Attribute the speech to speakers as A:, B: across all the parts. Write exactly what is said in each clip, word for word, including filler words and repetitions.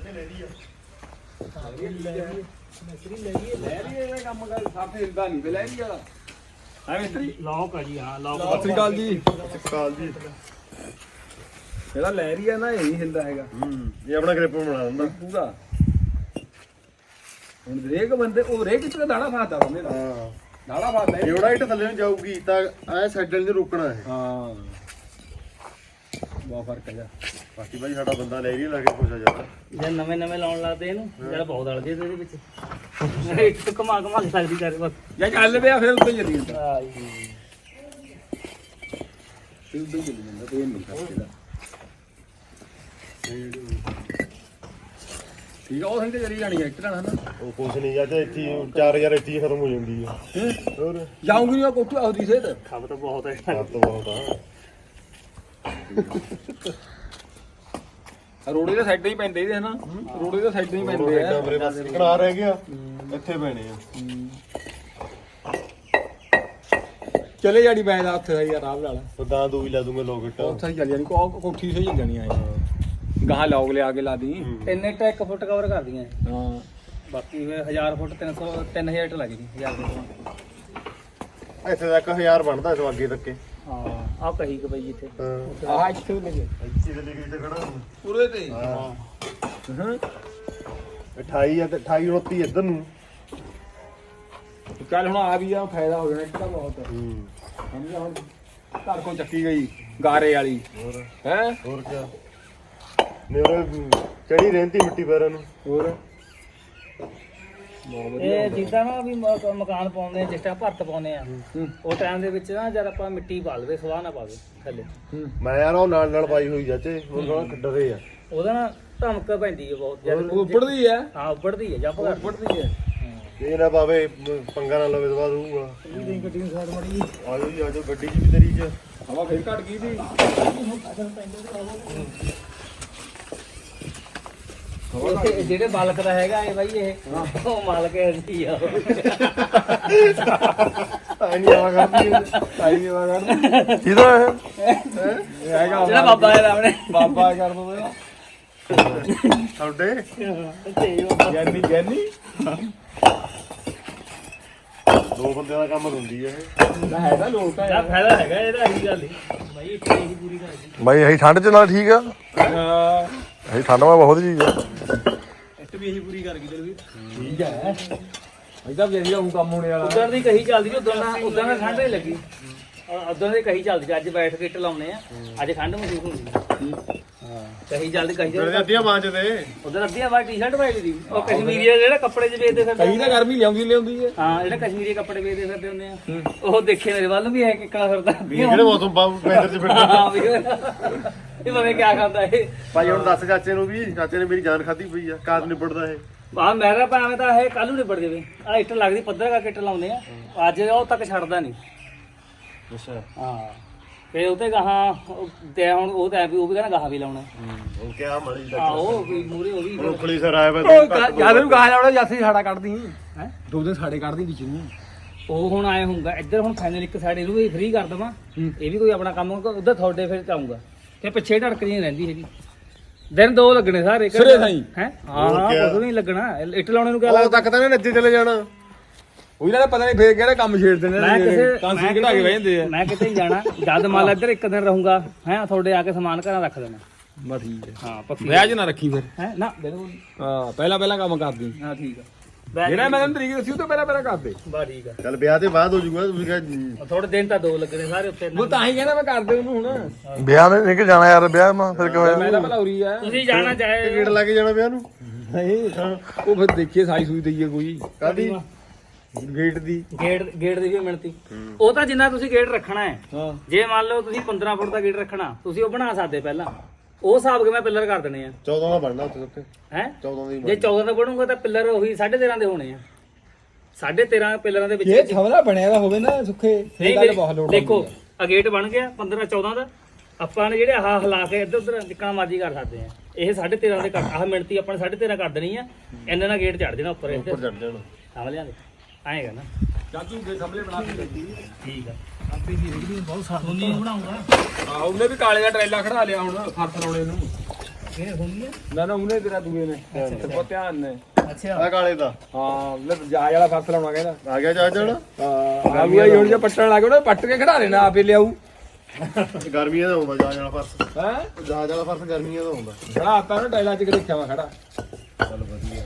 A: ਲੈ ਰਹੀ ਆ
B: ਲੌਕ ਆ ਜੀ ਹਾਂ ਲੌਕ
C: ਸਤਿ ਸ੍ਰੀ ਅਕਾਲ ਜੀ।
A: ਕਾਲ ਜੀ
C: ਇਹਦਾ ਲੈ ਰਹੀ ਆ ਨਾ, ਇਹ ਨਹੀਂ ਹਿਲਦਾ ਹੈਗਾ।
A: ਹੂੰ ਇਹ ਆਪਣਾ ਗ੍ਰਿਪ ਬਣਾ ਦਿੰਦਾ
C: ਪੂਰਾ। ਹੁਣ ਰੇਕ ਬੰਦੇ ਉਹ ਰੇਕ ਚ ਦਾਣਾ ਫਾਦਾ ਬੰਦੇ ਦਾ
A: ਹਾਂ
C: ਦਾਣਾ ਫਾਦਾ ਇਹ।
A: ਜਿਹੜਾ ਇੱਟ ਥੱਲੇ ਨੂੰ ਜਾਊਗੀ ਤਾਂ ਐ ਸਾਈਡਲ ਨੂੰ ਰੁਕਣਾ ਹੈ।
C: ਹਾਂ ਬਹੁਤ ਫਰਕ ਹੈ।
A: ਬਾਕੀ ਭਾਈ ਸਾਡਾ ਬੰਦਾ ਲੈ ਰਹੀ ਲਾ ਕੇ ਖੁਸ਼ ਆ ਜਾਂਦਾ।
B: ਜੇ ਨਵੇਂ ਨਵੇਂ ਲਾਉਣ ਲੱਗਦੇ ਇਹਨੂੰ ਜਿਹੜਾ ਬਹੁਤ ਅਲਦੇ ਇਹਦੇ ਵਿੱਚ ਇੱਕ ਘਮਾ ਘਮਾ ਕੇ ਸਕਦੀ ਕਰ ਬਸ
C: ਜਾਂ ਚੱਲ ਪਿਆ ਫਿਰ ਉੱਤੇ ਚੱਲੀ ਜਾਂਦਾ।
B: ਹਾਂ ਜੀ
C: ਫਿਰ ਉੱਤੇ ਚੱਲੀ ਜਾਂਦਾ ਤੇ ਇਹ ਨਹੀਂ ਕਰਦਾ। ਠੀਕ ਆ ਉਹ ਸਹੀ ਤੇ ਚੱਲੀ ਜਾਣੀ ਐਕਟ ਨਾਲ ਹਨਾ।
A: ਉਹ ਕੁਛ ਨਹੀਂ ਜਾਂ ਤੇ ਇੱਥੇ ਚਾਰ ਹਜ਼ਾਰ ਇੱਥੇ ਹੀ ਖਤਮ ਹੋ ਜਾਂਦੀ ਆ। ਹੋਰ
C: ਜਾਉਂਗੀ ਨਾ ਕੋਠੂ ਆਉਦੀ ਸੇਤ
B: ਖਬ ਤਾਂ ਬਹੁਤ ਹੈ
A: ਸਭ ਤੋਂ ਬਹੁਤ ਆ
C: ਰੋੜੇ ਦੇ ਸਾਈਡਾਂ ਹੀ ਪੈਂਦੇ ਇਹਦੇ ਹਨਾ। ਰੋੜੇ ਦੇ ਸਾਈਡਾਂ ਹੀ ਪੈਂਦੇ ਆ।
A: ਮੇਰੇ ਪਾਸ ਕਿਹੜਾ ਰਹਿ ਗਿਆ ਇੱਥੇ ਪੈਣੇ ਆ।
C: ਚਲੇ ਜਾਣੀ ਮੈਂ ਦਾ ਉੱਥੇ ਯਾਰ ਆਰਾਮ ਨਾਲ
A: ਤਾਂ ਦਾਂ ਦੂ ਵੀ ਲਾ ਦੂੰਗਾ ਲੋਕਟ।
C: ਉੱਥੇ ਹੀ ਚੱਲ ਜਾਣੀ ਕੋ ਕੋਠੀ ਸਹੀ ਚੱਲ ਜਾਣੀ ਆ ਗਾਹਾਂ ਲੌਗ ਲਿਆ ਕੇ ਲਾ ਦੀ।
B: ਤਿੰਨ ਇੱਟਾਂ ਇੱਕ ਫੁੱਟ ਕਵਰ ਕਰਦੀਆਂ
C: ਹਾਂ
B: ਬਾਕੀ ਫਿਰ ਹਜ਼ਾਰ ਫੁੱਟ ਤਿੰਨ ਸੌ ਤਿੰਨ ਹਜ਼ਾਰ ਇੱਟ ਲੱਗ ਗਈ ਹਜ਼ਾਰ ਫੁੱਟ
A: ਇੱਥੇ ਤੱਕ ਹਜ਼ਾਰ ਬਣਦਾ ਇਸ ਅੱਗੇ ਤੱਕੇ।
B: ਹਾਂ ਆਹ ਕਹੀ ਕਿ ਬਈ ਇੱਥੇ
A: ਹਾਂ
C: ਆਹ ਇੱਥੇ ਲੱਗੇ
A: ਇੱਥੇ ਤੇ ਲਿਖੀ ਤੇ ਖੜਾ
C: ਪੂਰੇ ਤੇ।
A: ਹਾਂ
C: ਹਾਂ
A: ਅਠਾਈ ਆ ਤੇ ਅਠਾਈ ਉਨੱਤੀ ਇੱਧਰ ਨੂੰ।
C: ਚੱਲ ਹੁਣ ਆ ਵੀ ਆ ਫਾਇਦਾ ਹੋ ਜਾਣਾ ਇੱਕ ਤਾਂ ਬਹੁਤ।
A: ਹੂੰ
C: ਸਮਝ ਹੁਣ ਘਰ ਕੋ ਚੱਕੀ ਗਈ ਗਾਰੇ ਵਾਲੀ
A: ਹੋਰ
C: ਹੈ।
A: ਹੋਰ ਕੀ ਮੇਰੇ ਚੜੀ ਰਹਿੰਦੀ ਮਿੱਟੀ ਪੈਰਾਂ ਨੂੰ।
C: ਹੋਰ
B: ਇਹ ਜਿੱਦਾਂ ਨਾ ਵੀ ਮ- ਮਕਾਨ ਪਾਉਂਦੇ ਆ ਜਿਸ ਟਾਈਮ ਭਰਤ ਪਾਉਂਦੇ ਆ ਉਹ ਟਾਈਮ ਦੇ ਵਿੱਚ ਨਾ ਜਦ ਆਪਾਂ ਮਿੱਟੀ ਪਾ ਲਵੇ ਸਵਾਹ ਨਾ ਪਾਵੇ ਥੱਲੇ
A: ਮੈਂ ਯਾਰ ਉਹ ਨਾਲ ਨਾਲ ਪਾਈ ਹੋਈ ਜਾਚੇ ਉਹ ਥੋੜਾ ਡਰੇ ਆ।
B: ਉਹਦਾ ਨਾ ਧਮਕ ਪੈਂਦੀ ਹੈ ਬਹੁਤ ਜਦ
C: ਉੱਪੜਦੀ ਹੈ
B: ਹਾਂ ਉੱਪੜਦੀ ਹੈ ਜੱਪ ਕਰ
C: ਉੱਪੜਦੀ ਹੈ।
A: ਇਹ ਨਾ ਪਾਵੇ ਮ- ਪੰਗਾ ਨਾ ਲਵੇ ਦਵਾ ਦੂਗਾ।
C: ਗੱਡੀ ਨੂੰ ਸਾਈਡ ਮੜੀ
A: ਆਜੋ ਜੀ ਆਜੋ ਗੱਡੀ 'ਚ ਵੀ ਤੇਰੀ 'ਚ
C: ਹਵਾ ਫੇਰ ਘਟ ਗਈ ਸੀ।
B: ਇਹ ਜਿਹੜੇ ਮਾਲਕ ਦਾ ਹੈਗਾ ਇਹ ਬਾਈ ਇਹ ਉਹ ਮਾਲਕ ਹੈ ਆ
A: ਆਈ ਨਹੀਂ ਆਵਾ ਕਰਦੀ
C: ਆਈ ਨਹੀਂ ਵਾ ਕਰ
A: ਕਿਹਦਾ ਇਹ
C: ਇਹ ਹੈਗਾ
B: ਜਿਹੜਾ ਬਾਬਾ ਹੈ ਆਪਣੇ
C: ਬਾਬਾ ਕਰ ਦੋ
A: ਤੁਹਾਡੇ
C: ਗਿਆਨੀ ਗਿਆਨੀ
A: ਦੋ ਬੰਦਿਆਂ ਦਾ ਕੰਮ ਹੁੰਦੀ ਹੈ ਇਹ।
C: ਨਾ ਹੈਗਾ ਲੋਕ
B: ਦਾ ਫਾਇਦਾ ਹੈਗਾ ਇਹਦਾ ਇਹੀ ਗੱਲ ਹੀ ਬਾਈ ਇੱਥੇ ਇਹੀ ਪੂਰੀ ਕਰਦੀ
D: ਬਾਈ ਅਸੀਂ ਠੰਡ ਚ ਨਾਲ ਠੀਕ ਆ।
C: ਹਾਂ
D: ਅਸੀਂ ਠੰਡ ਮਾ ਬਹੁਤ ਚੀਜ਼ ਆ।
B: ਇੱਥੇ ਵੀ ਇਹੀ ਪੂਰੀ ਕਰ ਗਈ ਚਲ ਵੀ
C: ਠੀਕ ਹੈ। ਇਹਦਾ ਵੀ ਇਹਦਾ ਹੁਣ ਕੰਮ ਹੋਣੇ ਵਾਲਾ।
B: ਉਧਰ ਦੀ ਕਹੀ ਚੱਲਦੀ ਉਧਰ ਨਾ ਉਧਰ ਨਾ ਠੰਡ ਨਹੀਂ ਲੱਗੀ ਉਧਰ ਦੀ ਕਹੀ ਚੱਲਦੀ ਅੱਜ ਬੈਠ ਕੇ ਇੱਟ ਲਾਉਨੇ ਆ ਅੱਜ ਠੰਡ ਮਹਿਸੂਸ ਹੁੰਦੀ ਹਾਂ ਕਹੀ ਚੱਲਦੀ ਕਹੀ
A: ਜਿਹੜੇ
B: ਚੱਲਦੀ
A: ਅੱਧੀਆਂ ਬਾਂਹ 'ਚ ਦੇ
B: ਉਧਰ ਅੱਧੀਆਂ ਵਾਰ ਟੀ-ਸ਼ਰਟ ਪਾਈ ਦੀ ਉਹ ਕਸ਼ਮੀਰੀ ਜਿਹੜਾ ਕੱਪੜੇ 'ਚ ਵੇਚਦੇ ਫਿਰਦੇ
C: ਕਈ ਤਾਂ ਗਰਮੀ ਲਿਆਉਂਦੀ ਲਿਆਉਂਦੀ ਹੈ।
B: ਹਾਂ ਜਿਹੜਾ ਕਸ਼ਮੀਰੀ ਕੱਪੜੇ ਵੇਚਦੇ ਫਿਰਦੇ ਹੁੰਦੇ ਆ ਉਹ ਦੇਖੇ ਮੇਰੇ ਵੱਲ ਵੀ ਹੈ ਕਿੱਕਣਾ ਫਿਰਦਾ
A: ਜਿਹੜੇ ਮੌਸਮ ਪੈਦਰ 'ਚ ਫਿਰਦੇ।
B: ਹਾਂ ਵੀ ਇਹ ਪਤਾ ਕਿਆ ਖਾਂਦਾ ਇਹ
A: ਭਾਈ ਹੁਣ ਦੱਸ ਚਾਚੇ ਨੂੰ ਵੀ ਚਾਚੇ ਨੇ ਮੇਰੀ ਜਾਨ ਖਾਧੀ ਪਈ ਆ ਕਾਦ ਨਿਬੜਦਾ ਇਹ।
B: ਆ ਮੇਰਾ ਭਾਵੇਂ ਤਾਂ ਇਹ ਕੱਲ ਨੂੰ ਨਿਬੜ ਜਾਵੇ ਆ ਇੱਟ ਲੱਗਦੀ ਪੱਧਰ ਕਰਕੇ ਇੱਟ ਲਾਉਂਦੇ ਆ ਅੱਜ ਉਹ ਤੱਕ ਛੱਡਦਾ ਨਹੀਂ
A: ਅੱਛਾ
B: ਹਾਂ ਤੇ ਉਹ ਤੇ ਗਾਹਾਂ ਤੇ ਹੁਣ ਉਹ ਤਾਂ ਐ ਵੀ ਉਹ ਵੀ ਕਹਿੰਦਾ ਗਾਹਾਂ ਵੀ ਲਾਉਣਾ
A: ਉਹ ਕਿਹਾ ਮੜੀ
B: ਆ ਉਹ ਵੀ ਮੂਰੇ ਉਹ ਵੀ
A: ਰੋਕਲੀ ਸਰ ਆਇਆ ਵਾ
C: ਜਦ ਨੂੰ ਗਾਹ ਲਾਉਣਾ ਜਾਸੀ ਸਾੜਾ ਕੱਢਦੀ ਹੈ। ਦੋ ਦਿਨ ਸਾੜੇ ਕੱਢਦੀ ਵਿੱਚ ਨੂੰ।
B: ਉਹ ਹੁਣ ਆਏ ਹੁੰਦਾ ਇੱਧਰ ਹੁਣ ਫਾਈਨਲ ਇੱਕ ਸਾਈਡ ਇਹਨੂੰ ਵੀ ਫ੍ਰੀ ਕਰ ਦਵਾਂ ਇਹ ਵੀ ਕੋਈ ਆਪਣਾ ਕੰਮ ਉਧਰ ਤੁਹਾਡੇ ਫਿਰ ਚਾਹੂੰਗਾ ਤੇ ਪਿੱਛੇ ਢੜਕਦੀ ਨਹੀਂ ਰਹਿੰਦੀ ਹੈਗੀ ਦਿਨ ਦੋ ਲੱਗਣੇ ਸਾਰੇ
C: ਸਿਰੇ ਸਾਈਂ।
B: ਹੈ ਹਾਂ ਕੁਝ ਨਹੀਂ ਲੱਗਣਾ ਇੱਟ ਲਾਉਣੇ ਨੂੰ ਕਿਆ
A: ਉਹ
B: ਲੱਗਦਾ
A: ਤੱਕ ਤਾਂ ਇਹਨੇ ਨੱਜੇ ਚਲੇ ਜਾਣਾ।
C: ਉਹੀ ਨਾ ਪਤਾ ਨਹੀਂ ਫੇਰ ਕਿਹੜਾ ਕੰਮ ਛੇੜਦੇ ਨੇ
B: ਮੈਂ ਕਿਸੇ
C: ਕਾਂਸੀ
B: ਮੈਂ
C: ਕਢਾ ਕੇ ਬਹਿ ਜਾਂਦੇ ਆ।
B: ਮੈਂ ਕਿਤੇ ਹੀ ਜਾਣਾ ਜਦ ਮੰਨ ਲਾ ਇੱਧਰ ਇੱਕ ਦਿਨ ਰਹੂੰਗਾ ਹੈ ਤੁਹਾਡੇ ਆ ਕੇ ਸਮਾਨ ਘਰਾਂ ਰੱਖ ਦੇਣਾ
C: ਬਾ ਠੀਕ ਹੈ।
B: ਹਾਂ ਪੱਕੀ
C: ਵਿਆਜ ਨਾ ਰੱਖੀ ਫਿਰ।
B: ਹੈ ਨਾ ਬਿਲਕੁਲ
C: ਹਾਂ ਪਹਿਲਾਂ ਪਹਿਲਾਂ ਕੰਮ ਕਰਦੀ
B: ਹਾਂ ਠੀਕ ਆ
C: ਜਿਹੜਾ ਮੈਂ ਤੈਨੂੰ ਤਰੀਕ ਦੱਸੀ ਉਹ ਤੋਂ ਪਹਿਲਾਂ ਪਹਿਲਾਂ ਕਰਦੇ।
B: ਬਾ ਠੀਕ ਆ
A: ਚੱਲ ਵਿਆਹ ਤੇ ਬਾਅਦ ਹੋ ਜਾਊਗਾ ਤੁਸੀਂ ਕਹ
B: ਥੋੜੇ ਦਿਨ ਤਾਂ ਦੋ ਲੱਗਣੇ ਸਾਰੇ ਉੱਤੇ
C: ਉਹ ਤਾਂ ਹੀ ਕਹਿੰਦਾ ਮੈਂ ਕਰਦੇ ਉਹਨੂੰ ਹੁਣ।
D: ਵਿਆਹ ਨੇ ਨਿਕਲ ਜਾਣਾ ਯਾਰ ਵਿਆਹ ਮਾ ਫਿਰ ਕਿਵੇਂ
C: ਮੈਂ ਤਾਂ ਭਲਾ ਉਰੀ ਆ
B: ਤੁਸੀਂ ਜਾਣਾ ਚਾਹੇ
A: ਗੇਟ ਲਾ ਕੇ ਜਾਣਾ ਵਿਆਹ ਨੂੰ।
C: ਨਹੀਂ ਉਹ ਫਿਰ ਦੇਖੀਏ ਸਾਈ ਸੂਈ ਦਈਏ ਕੋਈ
A: ਕਾਦੀ
C: ਗੇਟ ਦੀ।
B: ਗੇਟ ਗੇਟ ਦੀ ਵੀ ਮਿਣਤੀ ਉਹ ਤਾਂ ਜਿੰਨਾ ਤੁਸੀਂ ਗੇਟ ਰੱਖਣਾ ਹੈ
C: ਹਾਂ
B: ਜੇ ਮੰਨ ਲਓ ਤੁਸੀਂ ਪੰਦਰਾਂ ਫੁੱਟ ਦਾ ਗੇਟ ਰੱਖਣਾ ਤੁਸੀਂ ਉਹ ਬਣਾ ਸਕਦੇ ਪਹਿਲਾਂ ਉਹ ਹਿਸਾਬ ਕੇ ਮੈਂ ਪਿੱਲਰ ਕਰ ਦੇਣੇ ਆ
A: ਚੌਦਾਂ ਦਾ ਬਣਨਾ ਉੱਥੇ ਉੱਤੇ
B: ਹੈ
A: ਚੌਦਾਂ ਦੀ
B: ਜੇ ਚੌਦਾਂ ਦਾ ਬਣੂਗਾ ਤਾਂ ਪਿੱਲਰ ਉਹੀ ਸਾਢੇ ਤੇਰਾਂ ਦੇ ਹੋਣੇ ਆ ਸਾਢੇ ਤੇਰਾਂ ਪਿੱਲਰਾਂ ਦੇ
C: ਇਹ
B: ਵਿੱਚ
C: ਛਵਲਾ ਬਣਿਆ ਦਾ ਹੋਵੇ ਨਾ ਸੁੱਖੇ
B: ਨਹੀਂ
C: ਇਹ ਗੱਲ ਬਹੁਤ ਲੋੜ
B: ਦੇਖੋ ਆ ਗੇਟ ਬਣ ਗਿਆ ਪੰਦਰਾਂ ਚੌਦਾਂ ਦਾ ਆਪਾਂ ਨੇ ਜਿਹੜੇ ਆਹ ਹਿਲਾ ਕੇ ਇੱਧਰ ਉੱਧਰ ਜਿੱਕਣਾ ਮਰਜ਼ੀ ਕਰ ਸਕਦੇ ਆ ਇਹ ਸਾਢੇ ਤੇਰਾਂ ਦੇ ਕੱਟ ਆਹ ਮਿਣਤੀ ਆਪਾਂ ਨੇ ਸਾਢੇ ਤੇਰਾਂ ਕਰ ਦੇਣੀ ਆ ਇਹਨਾਂ ਨਾਲ ਗੇਟ ਚੜ ਜਾਣਾ ਉੱਪਰ ਇੱਧਰ
A: ਉੱਪਰ ਚੜ ਜਾਣਾ।
B: ਸਮਝ ਲਿਆ ਆਏਗਾ ਨਾ
C: ਚਾਚੂ ਦੇ ਸਾਹਮਣੇ ਬਣਾ ਕੇ ਦਿੱਤੀ।
B: ਠੀਕ ਆ ਆਪੇ ਦੀ ਰੇੜੀ ਬਹੁਤ ਸਾਫ ਹੁੰਦੀ ਬਣਾਉਂਗਾ
C: ਆਹ ਉਹਨੇ ਵੀ ਕਾਲੇ ਦਾ ਟਰੇਲਾ ਖੜਾ ਲਿਆ ਹੁਣ ਫਰਸ ਲਾਉਣੇ ਨੂੰ।
B: ਇਹ ਹੁੰਦੀ ਆ
C: ਨਾ ਨਾ ਉਹਨੇ ਤੇਰਾ ਦੂਏ ਨੇ ਤੇ ਬਹੁਤ ਧਿਆਨ ਨੇ
B: ਅੱਛਾ
A: ਆ ਕਾਲੇ ਦਾ
C: ਹਾਂ ਲੈ ਜਾਜ ਵਾਲਾ ਫਰਸ ਲਾਉਣਾ ਕਹਿੰਦਾ
A: ਆ ਗਿਆ ਜਾ ਜਾਣਾ
C: ਹਾਂ ਆ ਗਿਆ ਹੁਣ ਜੇ ਪੱਟਣ ਲੱਗ ਉਹਨੇ ਪੱਟ ਕੇ ਖੜਾ ਲੈਣਾ ਆਪੇ ਲਿਆਊ
A: ਗਰਮੀਆਂ ਦਾ ਹੁੰਦਾ ਜਾ ਜਾਣਾ ਫਰਸ
C: ਹੈ
A: ਜਾ ਜਾਣਾ ਫਰਸ ਗਰਮੀਆਂ ਦਾ ਹੁੰਦਾ
C: ਖੜਾ ਆਪਾਂ ਨੂੰ ਟਾਈਲਾਂ 'ਚ ਦੇਖਿਆ ਵਾ ਖੜਾ
A: ਚੱਲ ਵਧੀਆ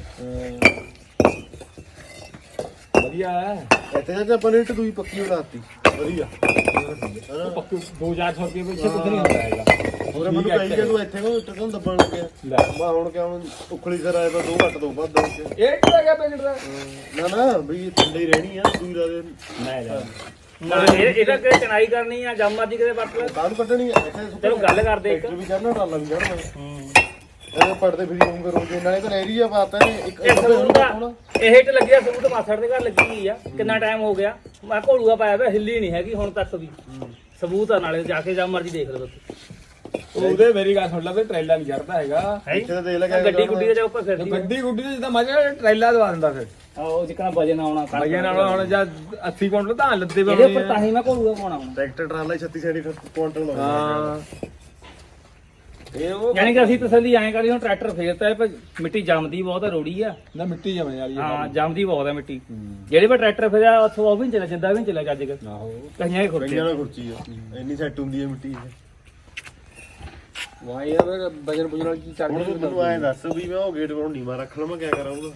C: ਵਧੀਆ ਹੈ
A: ਇੱਥੇ ਜਾ ਆਪਾਂ ਨੇ ਇੱਟ ਦੂਈ ਪੱਕੀ ਬਣਾਤੀ ਵਧੀਆ ਹਨਾ
C: ਪੱਕੂ ਦੋ ਹਜ਼ਾਰ ਰੁਪਏ ਪਿੱਛੇ ਕੁਝ ਨਹੀਂ ਹੁੰਦਾ ਹੈਗਾ
A: ਹੋਰ ਮੈਨੂੰ ਕਹੀ ਕਿ ਤੂੰ ਇੱਥੇ ਕੋ ਇੱਟ ਤੋਂ ਦੱਬਣ ਲੱਗਿਆ
C: ਲੈ
A: ਮੈਂ ਹੁਣ ਕਿਉਂ ਉਖਲੀ ਸਰ ਆਇਆ ਤਾਂ ਦੋ ਘੱਟ ਦੋ ਵੱਧ ਦੋ ਚ
C: ਇਹ ਕਿਹੜਾ ਗਿਆ ਪੈਕਟ ਦਾ
A: ਨਾ ਨਾ ਬਈ ਥੱਲੇ ਹੀ ਰਹਿਣੀ ਆ ਦੂਈ ਦਾ
C: ਮੈਂ ਜਾ
B: ਨਾ ਇਹ ਇਹਦਾ ਕਿ ਚਣਾਈ ਕਰਨੀ ਆ ਜੰਮ ਮਰਜੀ ਕਿਤੇ ਵੱਟ ਲੈ
A: ਕਾਹਨੂੰ ਕੱਢਣੀ ਆ ਇੱਥੇ
B: ਚਲੋ ਗੱਲ ਕਰਦੇ ਇੱਕ
A: ਟਰੈਕਟਰ ਵੀ ਚੜਨਾ ਟਰਾਲਾ ਵੀ ਚੜਨਾ ਇਹ ਪੜਦੇ ਫਿਰ ਹੋਊਗਾ ਰੋਜ਼ ਨਾਲੇ ਤਾਂ ਏਰੀਆ ਪਾਤਾ ਨੇ ਇੱਕ
B: ਇਹ ਸਬੂਤ ਆ ਇਹ ਹਿੱਟ ਲੱਗਿਆ ਸਬੂਤ ਮਾਸੜ ਦੇ ਘਰ ਲੱਗੀ ਹੋਈ ਆ ਕਿੰਨਾ ਟਾਈਮ ਹੋ ਗਿਆ ਮੈਂ ਘੋਲੂਆ ਪਾਇਆ ਪਿਆ ਹਿੱਲੀ ਨਹੀਂ ਹੈਗੀ ਹੁਣ ਤੱਕ ਵੀ ਸਬੂਤ ਆ ਨਾਲੇ ਜਾ ਕੇ ਜੰਮ ਮਰਜੀ ਦੇਖ ਲਓ ਤੁਸੀਂ
C: ਉਹਦੇ ਮੇਰੀ ਗੱਲ ਸੁਣ ਲੈ ਵੀ ਟ੍ਰੇਲਾ ਨਹੀਂ ਚੜਦਾ ਹੈਗਾ
B: ਹੈ
A: ਇੱਥੇ ਤਾਂ ਦੇਖ ਲੈ
B: ਗੱਡੀ ਗੁੱਡੀ ਦੇ ਜਾ ਉੱਪਰ ਫਿਰਦੀ ਆ।
C: ਗੱਡੀ ਗੁੱਡੀ ਤੇ ਜਿੱਦਾਂ ਮਜ਼ਾ ਟ੍ਰੇਲਾ ਦਵਾ ਦਿੰਦਾ ਫਿਰ
B: ਆਹੋ ਜਿੱਕਣਾ ਵਜਨ ਆਉਣਾ ਕਰ
C: ਮਜ਼ੇ ਨਾਲ ਹੁਣ ਜਾਂ ਅੱਸੀ ਕੁਇੰਟਲ ਤਾਂ ਲੱਦੇ
B: ਇਹਦੇ ਉੱਪਰ ਤਾਂ ਹੀ ਮੈਂ ਘੋਲੂਆ ਪਾਉਣਾ ਹੁਣ
A: ਟਰੈਕਟਰ ਟਰਾਲਾ ਛੱਤੀ ਸੈਂਟੀ ਕੁਆਂਟਲ ਲਾਉਂਦਾ
C: ਹਾਂ ਇਹ ਉਹ
B: ਯਾਨੀ ਕਿ ਅਸੀਂ ਤਸੱਲੀ ਐਂ ਕਰੀ ਹੁਣ ਟਰੈਕਟਰ ਫੇਰਤਾ ਹੈ ਪਰ ਮਿੱਟੀ ਜੰਮਦੀ ਬਹੁਤ ਆ ਰੋੜੀ ਆ
C: ਨਾ ਮਿੱਟੀ ਜਮੇ ਵਾਲੀ
B: ਹਾਂ ਜੰਮਦੀ ਬਹੁਤ ਆ ਮਿੱਟੀ ਜਿਹੜੇ ਪਰ ਟਰੈਕਟਰ ਫੇਰਿਆ ਉੱਥੋਂ ਉਹ ਵੀ ਨੀ ਚੱਲਿਆ ਜਿੰਦਾ ਵੀ ਨੀ ਚੱਲਿਆ ਚੱਜ ਕੇ
C: ਆਹੋ
B: ਕਈਆਂ ਹੀ ਖੁਰਚੇ
A: ਕਈਆਂ ਨਾਲ ਖੁਰਚੀ ਆ ਇੰਨੀ ਸੈੱਟ ਹੁੰਦੀ ਹੈ ਮਿੱਟੀ ਇਹ
C: ਵਾਹ ਯਾਰ ਵਜਨ ਪੁਜਨ ਵਾਲੀ ਚੀਜ਼ ਚੜ
A: ਹੁਣ
C: ਗਈ
A: ਤੂੰ ਮੈਨੂੰ ਐਂ ਦੱਸ ਵੀ ਮੈਂ ਉਹ ਗੇਟ ਕੋਲ ਨੀਵਾ ਰੱਖ ਲਵਾਂ ਕਿਆ ਕਰਾਂ ਉਹਦਾ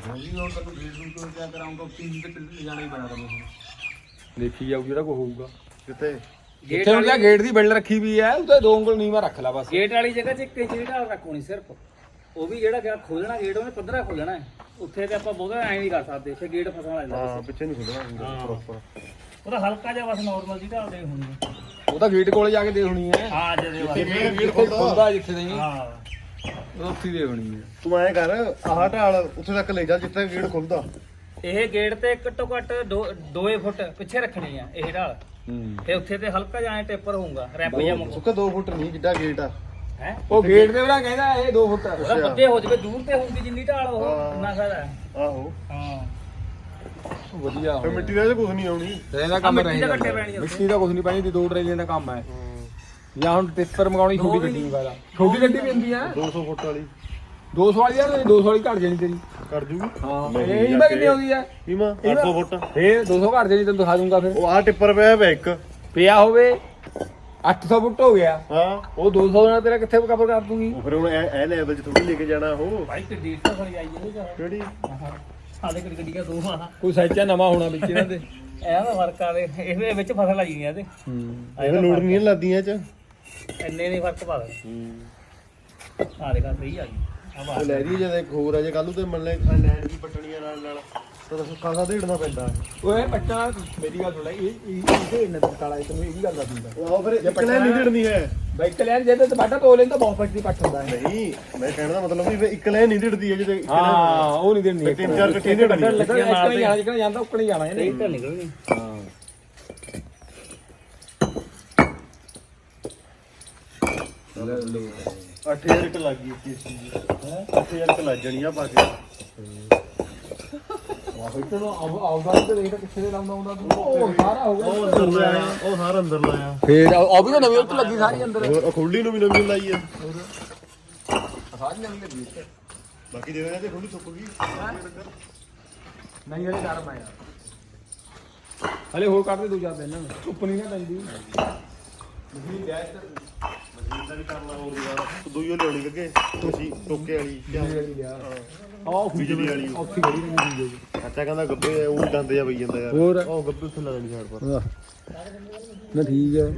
C: ਦੇਖੀ ਜਾਊ ਜਿਹੜਾ ਕੋ ਹੋਊਗਾ
A: ਕਿੱਥੇ
B: ਗੇਟ
C: ਜਿੱਥੇ ਉਹਦਾ ਗੇਟ ਦੀ ਬਿਲਡ ਰੱਖੀ ਵੀ ਹੈ ਉਹਦੇ ਦੋ ਉਂਗਲ ਨੀਵਾ ਰੱਖ ਲੈ ਬਸ
B: ਗੇਟ ਵਾਲੀ ਜਗ੍ਹਾ 'ਚ ਇੱਕ ਇੰਚ ਦੀ ਢਾਲ ਰੱਖੋਣੀ ਸਿਰਫ ਉਹ ਵੀ ਜਿਹੜਾ ਗਿਆ ਖੋਲਣਾ ਗੇਟ ਉਹਨੇ ਪੱਧਰਾ ਖੋਲਣਾ ਹੈ ਉੱਥੇ ਤੇ ਆਪਾਂ ਬਹੁਤਾ ਐਂ ਨਹੀਂ ਕਰ ਸਕਦੇ ਉੱਥੇ ਗੇਟ ਫਸਣ ਲੱਗ ਜਾਂਦਾ
A: ਹਾਂ ਪਿੱਛੇ ਨਹੀਂ ਖੁੱਲਣਾ ਪ੍ਰੋਪਰ
B: ਉਹਦਾ ਹਲਕਾ ਜਿਹਾ ਬਸ ਨਾਰਮਲ ਦੀ ਢਾਲ ਦੇ ਹੁੰਦੀ
C: ਉਹ ਤਾਂ ਗੇਟ ਕੋਲੇ ਜਾ ਕੇ ਦੇ ਹੋਣੀ ਹੈ
B: ਹਾਂ ਜਦੇ ਬਸ
A: ਮੇਰਾ
C: ਗੇਟ ਕੋਲ ਖੁੱਲਦਾ ਜਿੱਥੇ ਨਹੀਂ
B: ਹਾਂ
C: ਉਹ ਉੱਥੇ ਦੇ ਹੋਣੀ ਹੈ
A: ਤੂੰ ਐਂ ਕਰ ਆਹ ਢਾਲ ਉੱਥੇ ਤੱਕ ਲੈ ਜਾ ਜਿੱਥੇ ਗੇਟ ਖੁੱਲਦਾ
B: ਇਹ ਗੇਟ ਤੇ ਘੱਟੋ ਘੱਟ ਦੋ ਫੁੱਟ ਪਿੱਛੇ ਰੱਖਣੀ ਆ ਇਹ ਢਾਲ
C: ਹੂੰ
B: ਤੇ ਉੱਥੇ ਤੇ ਹਲਕਾ ਜਿਹਾ ਐਂ ਟੇਪਰ ਹੋਊਗਾ ਰੈਪ ਜਿਹਾ ਮੁੱਕ
A: ਸੁੱਕਾ ਦੋ ਫੁੱਟ ਨਹੀਂ ਜਿੱਡਾ ਗੇਟ ਆ
B: ਹੈ
C: ਉਹ ਗੇਟ ਦੇ ਵਰਾ ਕਹਿੰਦਾ ਇਹ ਦੋ ਫੁੱਟ
B: ਉਹਦਾ ਪੱਤੇ ਹੋ ਜਵੇ ਦੂਰ ਤੇ ਹੋਊਗੀ ਜਿੰਨੀ ਢਾਲ ਉਹ ਇੰਨਾ ਫਾਇਦਾ ਹੈ।
A: ਆਹੋ
B: ਹਾਂ
C: ਵਧੀਆ
A: ਫਿਰ ਮਿੱਟੀ ਦਾ ਇਹਦੇ ਕੁਝ ਨਹੀਂ ਆਉਣੀ
C: ਤੇ ਇਹਦਾ ਕੰਮ
B: ਮਿੱਟੀ
C: ਨਹੀਂ
B: ਦਾ ਕੱਟੇ ਪੈਣੀ ਆ ਉੱਥੇ।
C: ਮਿੱਟੀ ਦਾ ਕੁਝ ਨਹੀਂ ਪੈਣੀ ਦੀ ਦੋ ਟਰੇਲੀਆਂ ਦਾ ਕੰਮ ਹੈ ਜਾਂ ਹੁਣ ਟਿੱਪਰ ਮੰਗਾਉਣੀ ਛੋਟੀ ਗੱਡੀ ਨਹੀਂ ਵਾਲਾ ਛੋਟੀ ਗੱਡੀ ਵੀ ਹੁੰਦੀ ਹੈ
A: ਦੋ ਸੌ ਫੁੱਟ ਵਾਲੀ
C: ਦੋ ਸੌ ਵਾਲੀ ਯਾਰ ਦੋ ਸੌ ਵਾਲੀ ਘੱਟ ਜਾਣੀ ਤੇਰੀ
A: ਕਰ ਜੂਗੀ
C: ਹਾਂ ਇਹ ਇਹਦਾ ਕਿੰਨੀ ਆਉਂਦੀ ਹੈ
A: ਕੀਮਾ ਅੱਠ ਸੌ ਫੁੱਟ
C: ਫੇਰ ਦੋ ਸੌ ਘੱਟ ਜਾਣੀ ਤੈਨੂੰ ਦਿਖਾ ਦੂੰਗਾ ਫਿਰ
A: ਉਹ ਆਹ ਟਿੱਪਰ ਪਿਆ ਵਾ ਇੱਕ
C: ਪਿਆ ਹੋਵੇ ਅੱਠ ਸੌ ਫੁੱਟ ਹੋ ਗਿਆ
A: ਹਾਂ
C: ਉਹ ਦੋ ਸੌ ਨਾਲ ਤੇਰਾ ਕਿੱਥੇ ਕਵਰ ਕਰ ਦੂੰਗੀ
A: ਉਹ ਫਿਰ ਹੁਣ ਇਹ ਇਹ ਲੈਵਲ 'ਚ ਥੋੜੀ ਲੈ ਕੇ ਜਾਣਾ ਉਹ
B: ਭਾਈ ਤੇ ਡੇਢ ਸੌ ਵਾਲੀ ਆਈ ਇਹਦੇ ਚ
A: ਕਿਹੜੀ
B: ਸਾਡੇ ਕੋਲ ਗੱਡੀਆਂ ਦੋ ਆ
C: ਕੋਈ ਸੈਚਾ ਨਵਾਂ ਹੋਣਾ ਵਿੱਚ ਇਹਨਾਂ ਦੇ
B: ਇਹ ਦਾ ਫਰਕ ਆ ਦੇ ਇਹਦੇ ਵਿੱਚ ਫਸਲ ਆਈ ਨਹੀਂ ਇਹਦੇ
C: ਹੂੰ
A: ਇਹ ਲੋੜ ਨਹੀਂ ਲੱਗਦੀਆਂ ਚ
B: ਇੰਨੇ ਨਹੀਂ ਫਰਕ ਪਾ ਦੇ ਆ ਦੇਖਾ ਸਹੀ ਆ ਗਈ ਆ
A: ਉਹ
B: ਬਾਤ
A: ਲੈ ਰਹੀ ਜਦ ਇੱਕ ਹੋਰ ਆ ਜੇ ਕੱਲ ਨੂੰ ਤੇ ਮੰਨ ਲੈ ਲੈਂਡ ਵੀ ਪੱਟਣੀਆਂ ਨਾਲ ਨਾਲ ਤਾਂ ਸੁੱਕਾ ਦਾ ਢੇੜਨਾ ਪੈਂਦਾ
C: ਓਏ ਬੱਚਾ ਮੇਰੀ ਗੱਲ ਸੁਣ ਲੈ ਇਹ ਇਹ ਇਹਦੇ ਇੰਨਾ ਕਾਲਾ ਤੈਨੂੰ ਇਹ ਵੀ ਗੱਲ ਦੱਸ ਦਿੰਦਾ
A: ਉਹ ਫਿਰ ਇੱਕ ਲੈ ਨਹੀਂ ਢੇੜਨੀ ਹੈ
C: ਬਾਈਕ ਲੈਣ ਜੇ ਤੇ ਬਾਟਾ ਤੋ ਲੈਣ ਤਾਂ ਬਹੁਤ ਪੱਟੀ ਪੱਟ ਹੁੰਦਾ ਹੈ
A: ਨਹੀਂ ਮੈਂ ਕਹਿਣ ਦਾ ਮਤਲਬ ਵੀ ਇੱਕ ਲੈ ਨਹੀਂ ਢੇੜਦੀ ਹੈ ਜਿਹਦੇ ਇੱਕ
C: ਹਾਂ ਉਹ ਨਹੀਂ ਦੇਣੀ
A: ਤਿੰਨ ਚਾਰ ਇਕੱਠੇ ਢੇੜਨੀ
C: ਲੱਗਣ ਜਾਣਾ ਜਿਹੜਾ ਜਾਂਦਾ ਉੱਕਣ ਹੀ ਜਾਣਾ ਇਹਨੇ
B: ਸਹੀ ਤਾਂ ਨਿਕਲਣੀ
C: ਹਾਂ
A: ਅੱਠ ਹਜ਼ਾਰ ਇੱਕ ਲੱਗ ਗਈ ਇਸ ਚੀਜ਼ ਦੀ ਹੈ ਅੱਠ ਹਜ਼ਾਰ ਇੱਕ ਲੱਗ ਜਾਣੀ ਆ ਪਾ ਕੇ
C: ਵਾਹ ਬਈ ਤੈਨੂੰ ਆਉਦਾ ਤੇ ਦੇਖ ਕਿੱਥੇ ਦੇ ਲਾਉਂਦਾ ਹੁੰਦਾ ਤੂੰ ਉਹ ਸਾਰਾ ਹੋ ਗਿਆ
A: ਉਹ ਅੰਦਰ ਲਾਇਆ ਉਹ ਸਾਰਾ ਅੰਦਰ ਲਾਇਆ
C: ਫੇਰ ਆ ਵੀ ਤਾਂ ਨਵੀਂ ਉੱਤ ਲੱਗੀ ਸਾਰੀ ਅੰਦਰ
A: ਹੋਰ ਉਹ ਖੁੱਲੀ ਨੂੰ ਵੀ ਨਵੀਂ ਲਾਈ ਆ
C: ਸਾਰੀ ਨਵੀਂ ਲੱਗੀ
A: ਬਾਕੀ ਦੇ ਦੇਣਾ ਤੇ ਖੁੱਲੀ ਸੁੱਕ ਗਈ
C: ਨਹੀਂ ਹਲੇ ਗਰਮ ਆ ਯਾਰ ਹਲੇ ਹੋਰ ਕੱਢ ਦੇ ਦੋ ਚਾਰ ਦਿਨ ਨਾ ਧੁੱਪ ਨਹੀਂ ਨਾ ਪੈਂਦੀ ਮਸ਼ੀਨ ਲਿਆ ਇੱਧਰ
A: ਮਸ਼ੀਨ ਦਾ ਵੀ ਕਰਨਾ ਹੋਰ ਯਾਰ ਦੋਈਓ ਲਿਆਉਣੀ ਲੱਗੇ ਤੁਸੀਂ ਟੋਕੇ ਵਾਲੀ
C: ਆਹ
A: ਬਿਜਲੀ ਵਾਲੀ
C: ਉੱਥੇ ਖੜੀ ਨਹੀਂ ਦੀ
A: ਅੱਛਾ ਕਹਿੰਦਾ ਗੱਬੇ ਉਹ ਵੀ ਡੰਦੇ ਆ ਪਈ ਜਾਂਦਾ ਯਾਰ
C: ਹੋਰ
A: ਉਹ ਗੱਬੇ ਉੱਥੇ ਲਾ ਦੇਣੀ ਸਾਈਡ ਪਰ
C: ਨਾ ਠੀਕ ਹੈ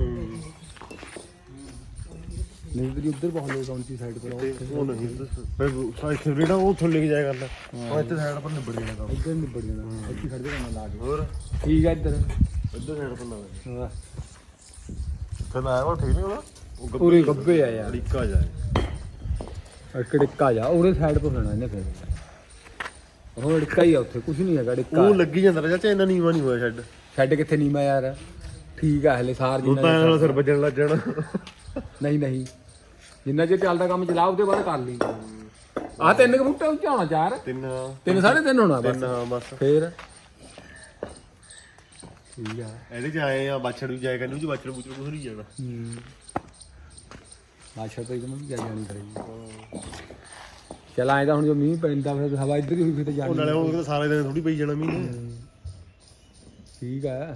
C: ਨਹੀਂ ਤੇਰੀ ਉੱਧਰ ਬਹੁਤ ਲੋਕ ਆਉਂਦੀ ਸਾਈਡ ਪਰ
A: ਤੇ ਉਹ ਨਹੀਂ ਫਿਰ ਸਾਈਡ ਰੇੜਾ ਉਹ ਥੱਲੇ ਲੈ ਕੇ ਜਾਇਆ ਕਰਨਾ ਉਹ ਇੱਥੇ ਸਾਈਡ ਪਰ ਨਿਬੜ ਜਾਣਾ ਕੰਮ
C: ਇੱਧਰ ਨਿਬੜ ਜਾਣਾ ਇੱਥੇ ਖੜ ਜਾਣਾ ਲਾ ਕੇ
A: ਹੋਰ
C: ਠੀਕ ਹੈ ਇੱਧਰ
A: ਇੱਧਰ ਸਾਈਡ ਪਰ ਲਾ ਦੇ
C: ਹਾਂ
A: ਫਿਰ ਆਇਆ ਉਹ ਠੀਕ ਨਹੀਂ ਹੋਣਾ ਉਹ
C: ਪੂਰੇ ਗੱਬੇ ਆ ਯਾਰ
A: ਅੜੀਕਾ ਜਾਏ
C: ਅੜਕੜਿੱਕਾ ਜਾ ਉਹਦੇ ਸਾਈਡ ਪਰ ਹੋਣਾ ਇਹਨੇ ਫਿਰ ਉਹ ਅੜਕਾ ਹੀ ਆ ਉੱਥੇ ਕੁਝ ਨਹੀਂ ਹੈਗਾ ਅੜਕਾ
A: ਉਹ ਲੱਗੀ ਜਾਂਦਾ ਰਿਹਾ ਚਾਹੇ ਇੰਨਾ ਨੀਵਾ ਨਹੀਂ ਹੋਇਆ ਛੱਡ
C: ਛੱਡ ਕਿੱਥੇ ਨੀਮਾ ਯਾਰ ਠੀਕ ਆ ਹਲੇ ਸਾਰ
A: ਉਹ ਤਾਂ ਨਾਲ ਸਿਰ ਵੱਜਣ ਲੱਗ ਜਾਣਾ
C: ਨਹੀਂ ਨਹੀਂ ਜਿੰਨਾ ਚਿਰ ਚੱਲਦਾ ਕੰਮ ਚਲਾ ਉਹਦੇ ਬਾਅਦ ਕਰ ਲਈ ਆ ਤਿੰਨ ਕੁ ਬੂਟੇ ਉੱਚਾ ਹੋਣਾ ਚਾਰ
A: ਤਿੰਨ
C: ਤਿੰਨ ਸਾਢੇ ਤਿੰਨ ਹੋਣਾ ਬਸ
A: ਤਿੰਨ ਹਾਂ ਬਸ
C: ਫੇਰ ਠੀਕ ਆ
A: ਇਹਦੇ ਚ ਆਏ ਆ ਬਾਛੜ ਵੀ ਜਾਏਗਾ ਨਹੀਂ ਉਹ ਚ ਬਾਛੜ ਬੂਛੜ ਕੁਝ ਨਹੀਂ ਜਾਣਾ
C: ਆਸ਼ਾ ਤਾਂ ਇਹਨੂੰ ਵੀ ਕਿਆ ਜਾਣੀ ਕਰੇ ਚੱਲ ਆਏ ਤਾਂ ਹੁਣ ਜੋ ਮੀਂਹ ਪੈਂਦਾ ਫਿਰ ਹਵਾ ਇੱਧਰ ਹੀ ਹੋਈ ਫਿਰ ਤਾਂ
A: ਉਹ
C: ਜਾਣੀ
A: ਨਾਲੇ ਹੁਣ ਸਾਰੇ ਦਿਨ ਥੋੜੀ ਪਈ ਜਾਣਾ ਮੀਂਹ ਨੇ
C: ਠੀਕ ਆ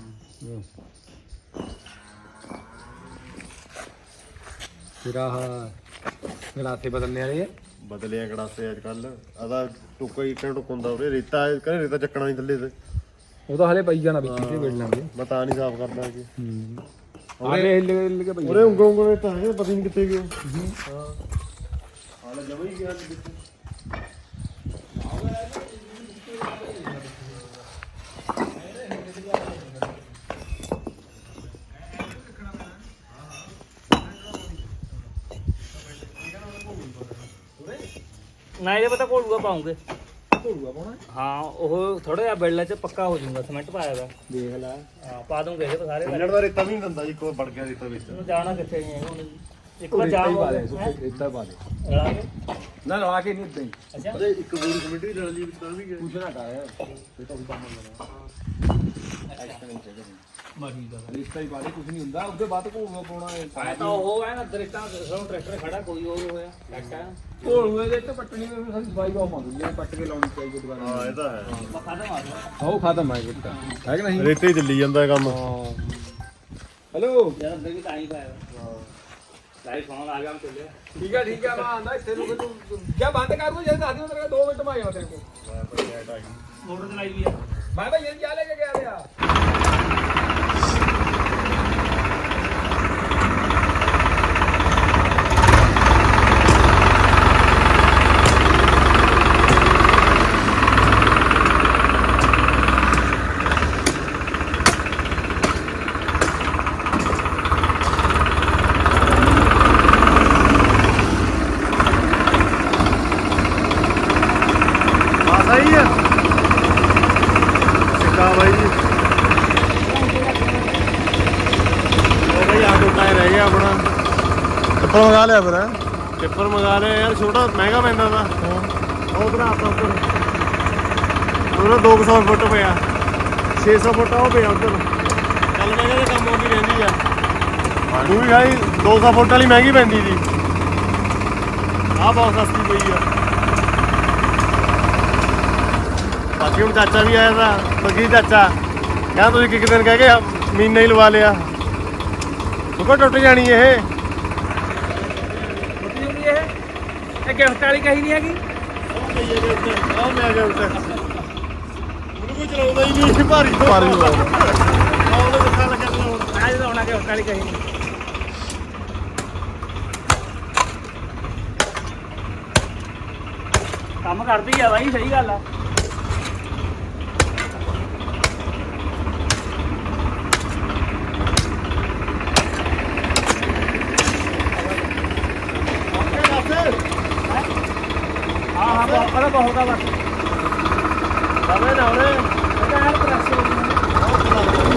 C: ਫਿਰ ਆਹ ਗਲਾਸੇ ਬਦਲਨੇ ਵਾਲੇ ਆ
A: ਬਦਲਿਆ ਗੜਾਸੇ ਅੱਜ ਕੱਲ ਆਦਾ ਟੁੱਕਾ ਹੀ ਟੁੱਕ ਹੁੰਦਾ ਉਰੇ ਰੇਤਾ ਕਹਿੰਦੇ ਰੇਤਾ ਚੱਕਣਾ ਨਹੀਂ ਥੱਲੇ ਤੇ
C: ਉਹ ਤਾਂ ਹਲੇ ਪਈ ਜਾਣਾ ਵਿੱਚ ਤੇ ਵੇੜ ਲਾਂਗੇ
A: ਮੈਂ ਤਾਂ ਨਹੀਂ ਸਾਫ਼ ਕਰਦਾ ਕਿ
C: ਹੂੰ ਉਹਦੇ ਹਿੱਲ ਹਿੱਲ ਕੇ ਪਈ
A: ਉਰੇ ਉਂਗਲ ਉਂਗਲ ਤਾਂ ਹੈ ਪਤਾ ਨਹੀਂ ਕਿੱਥੇ ਗਿਆ ਹਾਂ ਹਾਲੇ ਜਮਾ ਹੀ ਗਿਆ ਵਿੱਚ
B: ਨਾ ਇਹਦੇ ਪਤਾ ਘੋਲੂਆ ਪਾਉਂਗੇ
C: ਘੋੜੂਆ ਪਾਉਣਾ
B: ਹਾਂ ਉਹ ਥੋੜਾ ਜਿਹਾ ਬਿਲਡ ਚ ਪੱਕਾ ਹੋ ਜਾਊਗਾ ਸਿਮੈਂਟ ਪਾਇਆ ਵਾ
C: ਦੇਖ ਲੈ
B: ਹਾਂ ਪਾ ਦੂੰਗੇ ਇਹ ਤਾਂ ਸਾਰੇ
A: ਕੱਲੜ ਦਾ ਰੇਤਾ ਵੀ ਨਹੀਂ ਦਿੰਦਾ ਜੀ ਕੋਈ ਵੜ ਗਿਆ ਰੇਤਾ ਵਿੱਚ
B: ਨੂੰ ਜਾਣਾ ਕਿੱਥੇ ਨਹੀਂ ਹੈਗਾ ਹੁਣ ਇੱਕ ਵਾਰ ਜਾਮ ਹੋ ਗਿਆ
C: ਇੱਦਾਂ ਪਾ ਦੇ
B: ਰਲਾ ਕੇ
C: ਨਾ ਲਾ ਕੇ ਨਹੀਂ ਇਦਾਂ ਹੀ
B: ਅੱਛਾ
A: ਅਰੇ ਇੱਕ ਗੋਲੀ ਕਮੇਟੀ ਵੀ ਰਲ ਜੀ ਵਿੱਚ ਤਾਂ ਵੀ ਗਿਆ
C: ਕੁਛ ਨਾ ਕਰ ਇਹ ਤਾਂ ਵੀ ਕੰਮ ਹੋਣਾ
B: ਮਾਰੀ ਦਾ
C: ਰਿਸ਼ਤਾ ਹੀ ਬਾਰੇ ਕੁਝ ਨਹੀਂ ਹੁੰਦਾ ਉਹਦੇ ਬਾਅਦ ਘੋੜੂਆ ਪਾਉਣਾ ਹੈ
B: ਆਇਆ ਤਾਂ ਉਹ ਹੈ ਨਾ ਦਰਿੱਟਾਂ ਸਾਨੂੰ ਟਰੈਕਟਰ ਖੜਾ ਕੋਈ ਹੋਰ ਹੋਇਆ ਟਰੈਕਟਰ ਹੈ
C: ਘੋੜੂਏ ਦੇ ਤੇ ਪੱਟਣੀ ਵੀ ਸਾਡੀ ਸਫਾਈ ਬਹੁਤ ਮੰਗਦੀ ਹੈ ਪੱਟ ਕੇ ਲਾਉਣੀ ਚਾਹੀਦੀ ਦੁਬਾਰਾ
A: ਹਾਂ ਇਹ ਤਾਂ ਹੈ
B: ਖਤਮ ਆ ਗਿਆ
C: ਉਹ ਖਤਮ ਹੈ ਕਿਤਾ ਹੈ ਕਿ ਨਹੀਂ
A: ਰੇਤੇ ਹੀ ਚੱਲੀ ਜਾਂਦਾ ਕੰਮ
C: ਹੈਲੋ
B: ਯਾਰ ਅੰਦਰ ਵੀ ਤਾਂ ਹੀ ਪਾਇਆ ਹਾਂ ਲਾਈਵ ਫੋਨ ਆ ਗਿਆ ਮੈਂ ਚੱਲਿਆ
C: ਠੀਕ ਹੈ ਠੀਕ ਹੈ ਮੈਂ ਆਂਦਾ ਇੱਥੇ ਨੂੰ ਤੂੰ ਕਿਆ ਬੰਦ ਕਰ ਦੂੰ ਜੇ ਦੱਸ ਦਿਓ ਤੇਰੇ ਦੋ ਮਿੰਟ ਮੈਂ ਆ ਜਾਵਾਂ ਤੇਰੇ ਕੋਲ
B: ਮੋਟਰ ਚਲਾਈ ਵੀ ਆ
C: ਮੈਂ ਭਾਈ ਇਹ ਕੀ ਲੈ ਕੇ ਗਿਆ ਰਿਆ
A: ਆ ਸਹੀ ਹੈ ਸਿੱਕਾ ਬਾਈ ਜੀ ਉਹ ਬਈ ਆ ਟੁੱਟਾ ਹੀ ਰਹਿ ਗਿਆ ਆਪਣਾ
D: ਟਿੱਪਰ ਮੰਗਾ ਲਿਆ ਫਿਰ
A: ਟਿੱਪਰ ਮੰਗਾ ਲਿਆ ਯਾਰ ਛੋਟਾ ਮਹਿੰਗਾ ਪੈਂਦਾ ਦਾ ਉਹ ਬਣਾ ਆਪਾਂ ਉੱਪਰ ਉਹਦਾ ਦੋ ਸੌ ਫੁੱਟ ਪਿਆ ਛੇ ਸੌ ਫੁੱਟ ਉਹ ਪਿਆ ਉੱਧਰ ਚੱਲ ਮੈਂ ਕਹਿੰਦਾ ਕੰਮ ਆਉਂਦੀ ਰਹਿੰਦੀ ਆ ਤੂੰ ਵੀ ਖਾਈ ਦੋ ਸੌ ਫੁੱਟ ਵਾਲੀ ਮਹਿੰਗੀ ਪੈਂਦੀ ਸੀ ਆਹ ਬਹੁਤ ਸਸਤੀ ਪਈ ਆ ਬਾਕੀ ਹੁਣ ਚਾਚਾ ਵੀ ਆਇਆ ਤਾਂ ਬਗੀ ਚਾਚਾ ਕਹਿੰਦਾ ਤੁਸੀਂ ਇੱਕ ਦਿਨ ਕਹਿ ਕੇ ਮਹੀਨਾ ਹੀ ਲਵਾ ਲਿਆ ਉਹ ਟੁੱਟ ਜਾਣੀ ਇਹ
B: ਮੁੱਟੀ ਹੁੰਦੀ ਇਹ ਇਹ ਗਿਫਟ ਵਾਲੀ ਕਹੀ ਨਹੀਂ ਹੈਗੀ
A: ਆਹ ਮੈਂ ਗਿਆ ਉੱਤੇ ਉਹਨੂੰ ਕੋਈ ਚਲਾਉਂਦਾ ਹੀ ਨਹੀਂ ਭਾਰੀ
D: ਭਾਰੀ ਬਹੁਤ।
A: ਆਹ ਉਹਨੇ ਦਿਖਾ ਲੱਗਾ ਚਲਾਉਣ
B: ਮੈਂ ਜਦੋਂ ਆਉਣਾ ਗਿਫਟ ਵਾਲੀ ਕਹੀ ਨਹੀਂ ਕੰਮ ਕਰਦੀ ਆ ਬਾਈ ਸਹੀ ਗੱਲ ਆ ਹਾਂ ਹਾਂ ਬਹੁਤ ਬੜਾ ਬਹੁਤ ਆ ਬਸ
A: ਸਮਝ ਨਾ ਉਹਨੇ
B: ਪਤਾ ਹੈ ਪ੍ਰੈਸ ਹੋ ਗਈ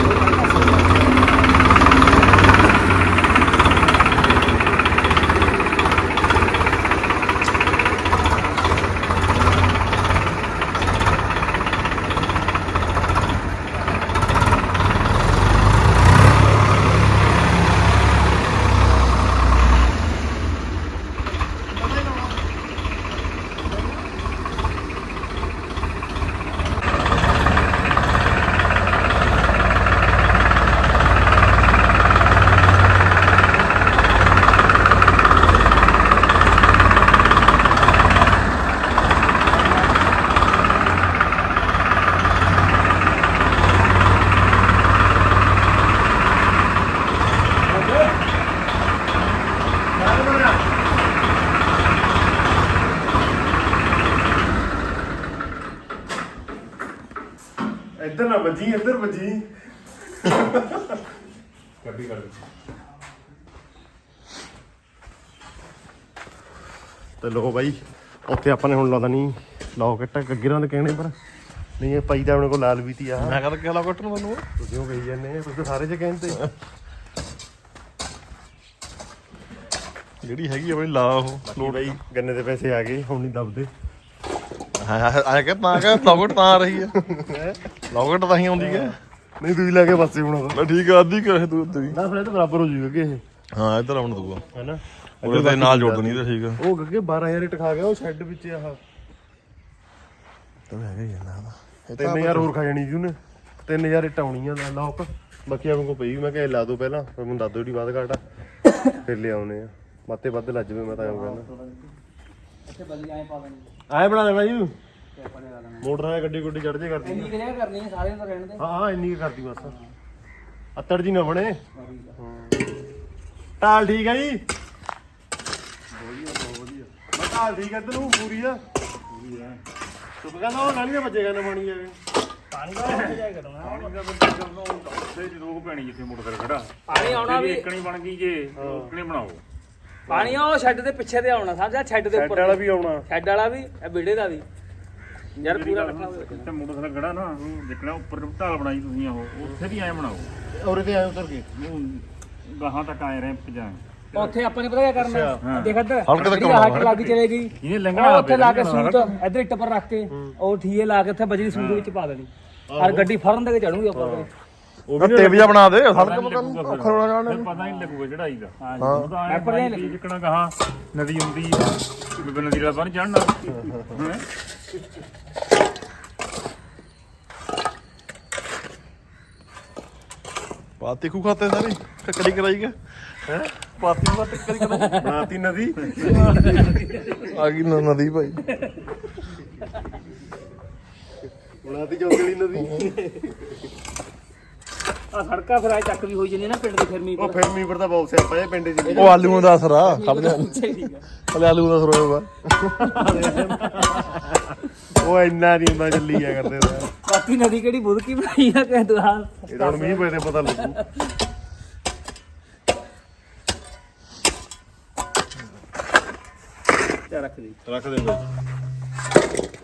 A: ਇੱਧਰ ਨਾ ਵੱਜੀ ਇੱਧਰ ਵੱਜੀ ਕੱਢੀ ਕੱਢ ਤੇ ਲੋ ਬਾਈ ਉੱਥੇ ਆਪਾਂ ਨੇ ਹੁਣ ਲਾਦਾ ਨਹੀਂ ਲੌਕਟ ਗੱਗਰਾਂ ਦੇ ਕਹਿਣੇ ਪਰ ਨਹੀਂ ਇਹ ਪਈ ਤਾਂ ਆਪਣੇ ਕੋਲ ਲਾਲ ਵੀ ਤੀ ਆ
D: ਮੈਂ ਕਹਿੰਦਾ ਕਿਹੜਾ ਕੱਟਣ ਮੈਨੂੰ
A: ਤੁਸੀਂ ਉਹ ਕਹੀ ਜਾਂਦੇ ਆ ਤੁਸੀਂ ਤਾਂ ਸਾਰੇ ਚ ਕਹਿੰਦੇ
D: ਜਿਹੜੀ ਹੈਗੀ ਆਪਣੀ ਲਾ ਉਹ
A: ਲੋੜ ਬਾਈ ਗੰਨੇ ਦੇ ਪੈਸੇ ਆ ਗਏ ਹੁਣ ਨਹੀਂ ਦਬਦੇ
D: ਹਾਂ ਆ ਕੇ ਤਾਂ ਕਿ ਲੌਕਟ ਤਾਂ ਆ ਰਹੀ ਹੈ ਲੌਕਟ ਤਾਂ ਹੀ ਆਉਂਦੀ ਹੈ
A: ਨਹੀਂ ਤੁਸੀਂ ਲੈ ਕੇ ਪਾਸੇ ਹੁਣ
D: ਮੈਂ ਠੀਕ ਆ ਅੱਧੀ ਕਰੇ ਤੂੰ ਉੱਤੇ ਵੀ
A: ਨਾ ਫਿਰ ਇਹ ਤਾਂ ਬਰਾਬਰ ਹੋ ਜੂਗਾ ਕਿ ਇਹ
D: ਹਾਂ ਇੱਧਰ ਆਉਣ ਦੂਗਾ
A: ਹੈਨਾ
D: ਉਹਦੇ ਤੇ ਨਾਲ ਜੋੜ ਦਣੀ ਤੇ ਠੀਕ ਆ
A: ਉਹ ਗੱਗੇ ਬਾਰਾਂ ਹਜ਼ਾਰ ਇੱਟ ਖਾ ਗਿਆ ਉਹ ਸ਼ੈੱਡ ਵਿੱਚ ਆਹ
D: ਤਾਂ ਹੈਗਾ ਹੀ ਜਾਂਦਾ
A: ਤਿੰਨ ਹਜ਼ਾਰ ਹੋਰ ਖਾ ਜਾਣੀ ਜੀ ਉਹਨੇ ਤਿੰਨ ਹਜ਼ਾਰ ਇੱਟ ਆਉਣੀਆਂ ਦਾ ਲੋਕ ਬਾਕੀਆਂ ਨੂੰ ਕੋ ਪਈ ਮੈਂ ਕਿਹਾ ਲਾ ਦੋ ਪਹਿਲਾਂ ਫਿਰ ਮੈਨੂੰ ਦੱਸ ਦਿਓ ਜਿਹੜੀ ਬਾਅਦ ਘਾਟ ਆ ਫਿਰ ਲਿਆਉਣੇ ਆ ਬਾਤੇ ਵੱਧ ਲੱਜ ਜਵੇ ਮੈਂ ਤਾਂ ਐਂ ਕਹਿੰਦਾ
B: ਇੱਥੇ ਬਲੀ ਐਂ ਪਾ ਦੇਣੀ
A: ਆਏ ਬਣਾ ਦੇਣਾ ਜੀ
B: ਤੇ ਆਪਾਂ ਨੇ ਲਾ ਦੇਣਾ
A: ਮੋਟਰ ਨਾਲ ਗੱਡੀ ਗੁੱਡੀ ਚੜ ਜੇ ਕਰਦੀ
B: ਇੰਨੀ ਕਿ ਜਗ੍ਹਾ ਕਰਨੀ ਹੈ ਸਾਰਿਆਂ ਦਾ ਰਹਿਣ ਦੇ
A: ਹਾਂ ਹਾਂ ਇੰਨੀ ਕੁ ਕਰਦੀ ਬਸ ਅੱਤੜ ਜੀ ਨਾ ਬਣੇ ਢਾਲ ਠੀਕ ਹੈ ਜੀ ਵਧੀਆ ਬਹੁਤ ਵਧੀਆ ਮੈਂ ਢਾਲ ਠੀਕ ਹੈ ਇੱਧਰ ਨੂੰ ਪੂਰੀ ਆ ਪੂਰੀ ਆ ਤੂੰ ਕਹਿੰਦਾ ਉਹ ਨਾਲੀਆਂ ਵੱਜੇਗਾ ਨਾ ਪਾਣੀ ਜਾਵੇ
B: ਪਾਣੀ ਦਾ ਉੱਥੇ ਜਾਇਆ ਕਰਨਾ
C: ਪਾਣੀ ਦਾ ਬੰਦੇ ਜਦੋਂ ਉੱਥੇ ਜੀ ਰੋਕ ਪੈਣੀ ਜਿੱਥੇ ਮੋਟਰ ਖੜਾ
B: ਪਾਣੀ ਆਉਣਾ ਵੀ
C: ਇੱਕਣੀ ਬਣ ਗਈ ਜੇ ਇੱਕਣੀ ਬਣਾਓ
B: ਪਾਣੀ ਉਹ ਸ਼ੈੱਡ ਦੇ ਪਿੱਛੇ ਤੇ ਆਉਣਾ ਸਮਝਿਆ ਸ਼ੈੱਡ ਦੇ
A: ਸ਼ੈੱਡ
B: ਉੱਪਰ
A: ਵਾਲਾ ਵੀ ਆਉਣਾ
B: ਸ਼ੈੱਡ ਵਾਲਾ ਵੀ ਇਹ ਵਿਹੜੇ ਦਾ ਵੀ ਯਾਰ ਪੂਰਾ ਇਕੱਠਾ ਹੋਇਆ
C: ਤੇ ਮੋਟਰ ਖੜਾ ਨਾ ਜਿੱਕਣਾ ਉੱਪਰ ਢਾਲ ਬਣਾਈ ਤੁਸੀਂ ਉਹ ਉੱਥੇ ਵੀ ਐਂ ਬਣਾਓ
A: ਔਰੇ ਤੇ ਆਏ ਉਤਰ ਕੇ
C: ਉਹ ਗਾਹਾਂ ਤੱਕ ਆਏ ਰੈਂਪ ਜਾਂ
B: ਉੱਥੇ ਆਪਾਂ ਨੇ ਪਤਾ ਕੀ ਕਰਨਾ ਦੇਖ ਇੱਧਰ
D: ਹਲਕੇ ਤੱਕ
B: ਜਿਹੜੀ ਆਹ ਲੱਗ ਚਲੇ ਗਈ
C: ਇਹਨੇ
B: ਉਹ
C: ਲੰਘਣਾ
B: ਉੱਥੇ ਲਾ ਕੇ ਸੂਤ ਇੱਧਰ ਇੱਟ ਪਰ ਰੱਖ ਕੇ ਉਹ ਠੀਏ ਲਾ ਕੇ ਉੱਥੇ ਬਜਰੀ ਸੂਤ ਵਿੱਚ ਪਾ ਦੇਣੀ ਔਰ ਗੱਡੀ ਫੜਨ ਦੇ ਕੇ ਚੜੂਗੀ ਉੱਪਰ
A: ਉਹ
D: ਟੇਪ ਜਿਹਾ ਬਣਾ ਦੇ ਹਲਕਾ ਮਕਾਨ ਔਖਾ ਹੋਣਾ ਜਾਣਾ
C: ਫਿਰ ਪਤਾ ਨਹੀਂ ਲੱਗੂਗਾ ਚੜਾਈ ਦਾ
B: ਹਾਂ
C: ਉਹ ਤਾਂ ਐਂ
B: ਐਪਰ ਨਹੀਂ
C: ਬਣਾਈ ਜਿੱਕਣਾ ਗਾਹਾਂ ਨਦੀ ਹੁੰਦੀ ਆ ਬਿਬ ਨਦੀ ਦਾ ਬੰਨ ਚੜਨਾ ਹੈਂ।
D: ਪਾਤੀ ਖੂ ਖਾਤੇ ਸਾਰੀ ਟੱਕਰੀ ਕਰਾਈ ਗਿਆ ਹੈ ਪਾਤੀ ਨੂੰ ਟੱਕਰੀ ਕਰਾਈ
A: ਬਣਾਤੀ ਨਦੀ
D: ਆ ਗਈ ਨ- ਨਦੀ ਭਾਈ
A: ਬਣਾਤੀ ਚੌਕਲੀ ਨਦੀ
B: ਆ ਸੜਕਾਂ ਫਿਰ ਆ ਚੱਕ ਵੀ ਹੋਈ ਜਾਂਦੀ ਨਾ ਪਿੰਡ ਦੇ ਫਿਰਮੀ
A: ਉਹ ਫਿਰ ਮੀਂਹ ਪਰਦਾ ਬਹੁਤ ਸਿਆਪਾ ਇਹ ਪਿੰਡ ਚ
D: ਉਹ ਆਲੂਆਂ ਦਾ ਅਸਰ ਆ ਖੜ ਜਾ
B: ਠੀਕ ਆ
D: ਹਲੇ ਆਲੂ ਦਾ ਅਸਰ ਹੋਇਆ
A: ਉਹ ਇੰਨਾ ਨਹੀਂ ਹੁੰਦਾ ਚੱਲੀ ਆ ਕਰਦੇ ਦਾ
B: ਬਾਕੀ ਨਦੀ ਕਿਹੜੀ ਬੁਦਕੀ ਬਣਾਈ ਆ ਕਿ ਦੁਆ
A: ਇਹ ਤਾਂ ਹੁਣ ਮੀਂਹ ਪਏ ਤੇ ਪਤਾ ਲੱਗੂ
B: ਚਾ ਰੱਖ ਦੇ
A: ਰੱਖ ਦੇ